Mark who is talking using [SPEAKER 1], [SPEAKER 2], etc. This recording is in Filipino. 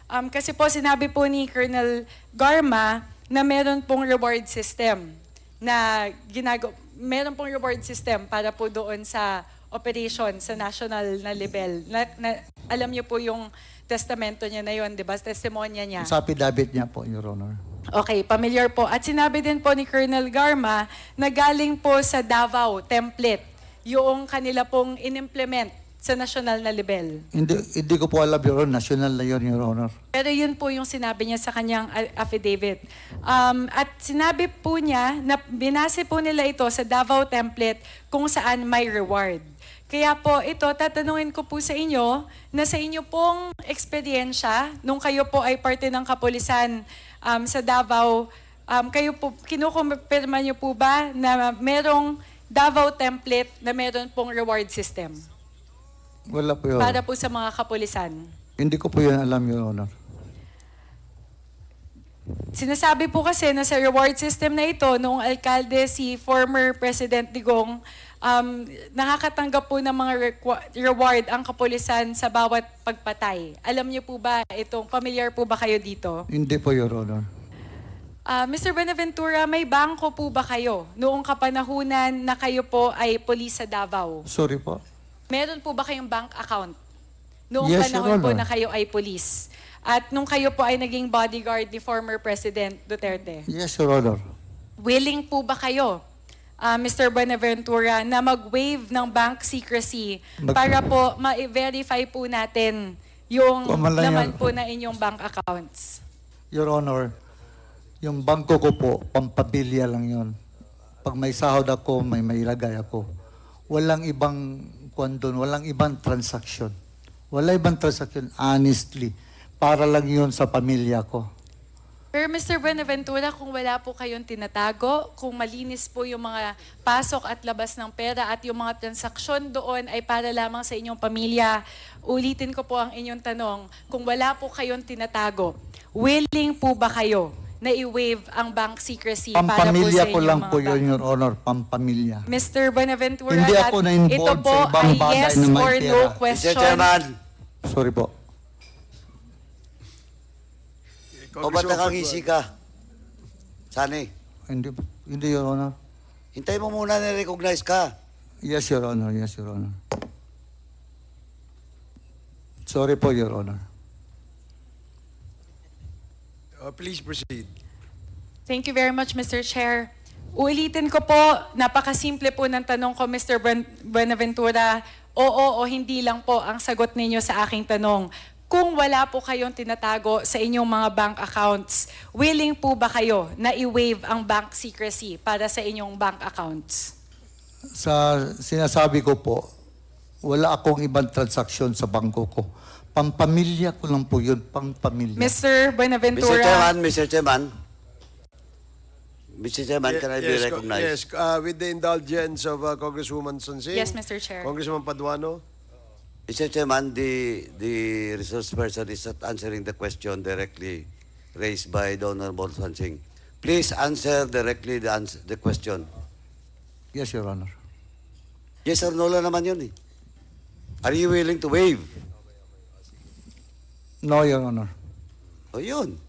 [SPEAKER 1] Kasi po sinabi po ni Colonel Garma na meron pong reward system na meron pong reward system para po doon sa operation sa national na level. Alam niyo po yung testamento niya na yun, di ba? Testimonya niya.
[SPEAKER 2] Sa affidavit niya po, Your Honor.
[SPEAKER 1] Okay, familiar po. At sinabi din po ni Colonel Garma na galing po sa Davao template yung kanila pong in-implement sa national na level.
[SPEAKER 2] Hindi ko po alam, Your Honor. National na yun, Your Honor.
[SPEAKER 1] Pero yun po yung sinabi niya sa kanyang affidavit. At sinabi po niya na binase po nila ito sa Davao template kung saan may reward. Kaya po ito, tatanungin ko po sa inyo na sa inyo pong eksperyensya, nung kayo po ay parte ng kapulisan sa Davao, kayo po, kinukumpirma niyo po ba na merong Davao template na meron pong reward system?
[SPEAKER 2] Wala po, Your Honor.
[SPEAKER 1] Para po sa mga kapulisan.
[SPEAKER 2] Hindi ko po yan alam, Your Honor.
[SPEAKER 1] Sinasabi po kasi na sa reward system na ito, noong alkalde si former President Digong, nakakatanggap po ng mga reward ang kapulisan sa bawat pagpatay. Alam niyo po ba itong, familiar po ba kayo dito?
[SPEAKER 2] Hindi po, Your Honor.
[SPEAKER 1] Mr. Buenaventura, may bangko po ba kayo noong kapanahunan na kayo po ay polis sa Davao?
[SPEAKER 2] Sorry po.
[SPEAKER 1] Meron po ba kayong bank account noong
[SPEAKER 2] Yes,
[SPEAKER 1] panahon
[SPEAKER 2] Your
[SPEAKER 1] po
[SPEAKER 2] Honor.
[SPEAKER 1] na kayo ay polis? At nung kayo po ay naging bodyguard ni former President Duterte?
[SPEAKER 2] Yes, Your Honor.
[SPEAKER 1] Willing po ba kayo, Mr. Buenaventura, na mag-waive ng bank secrecy para po ma-verify po natin yung laman po na inyong bank accounts?
[SPEAKER 2] Your Honor, yung bangko ko po, pampamilya lang yun. Pag may sahod ako, may mailagay ako. Walang ibang doon, walang ibang transaction. Wala ibang transaction, honestly. Para lang yun sa pamilya ko.
[SPEAKER 1] Pero Mr. Buenaventura, kung wala po kayong tinatago, kung malinis po yung mga pasok at labas ng pera at yung mga transaksyon doon ay para lamang sa inyong pamilya, ulitin ko po ang inyong tanong, kung wala po kayong tinatago, willing po ba kayo na i-waive ang bank secrecy para po sa
[SPEAKER 2] Pampamilya
[SPEAKER 1] inyong
[SPEAKER 2] ko lang
[SPEAKER 1] mga
[SPEAKER 2] po yun,
[SPEAKER 1] bank?
[SPEAKER 2] Your Honor. Pampamilya.
[SPEAKER 1] Mr. Buenaventura,
[SPEAKER 2] Hindi ako
[SPEAKER 1] ito
[SPEAKER 2] na-involved
[SPEAKER 1] po
[SPEAKER 2] sa ibang
[SPEAKER 1] ay
[SPEAKER 2] bagay
[SPEAKER 1] yes
[SPEAKER 2] na may
[SPEAKER 1] or no
[SPEAKER 2] pera.
[SPEAKER 1] question.
[SPEAKER 3] Mr. Chairman,
[SPEAKER 2] Sorry po.
[SPEAKER 3] o ba't nakangisi ka? Sani,
[SPEAKER 2] Hindi, Your Honor.
[SPEAKER 3] hintay mo muna na-recognize ka.
[SPEAKER 2] Yes, Your Honor. Yes, Your Honor. Sorry po, Your Honor.
[SPEAKER 4] Please proceed.
[SPEAKER 1] Thank you very much, Mr. Chair. Uulitin ko po, napakasimple po ng tanong ko, Mr. Buenaventura. Oo o hindi lang po ang sagot ninyo sa aking tanong. Kung wala po kayong tinatago sa inyong mga bank accounts, willing po ba kayo na i-waive ang bank secrecy para sa inyong bank accounts?
[SPEAKER 2] Sa sinasabi ko po, wala akong ibang transaksyon sa bangko ko. Pampamilya ko lang po yun, pampamilya.
[SPEAKER 1] Mr. Buenaventura.
[SPEAKER 3] Mr. Chairman, can I be recognized?
[SPEAKER 4] Yes, with the indulgence of Congresswoman Sonsing.
[SPEAKER 1] Yes, Mr. Chair.
[SPEAKER 4] Congressman Paduano.
[SPEAKER 3] Mr. Chairman, the resource person is not answering the question directly raised by the Honorable Sonsing. Please answer directly the question.
[SPEAKER 2] Yes, Your Honor.
[SPEAKER 3] Yes or no lang naman yun eh. Are you willing to waive?
[SPEAKER 2] No, Your Honor.
[SPEAKER 3] O yun.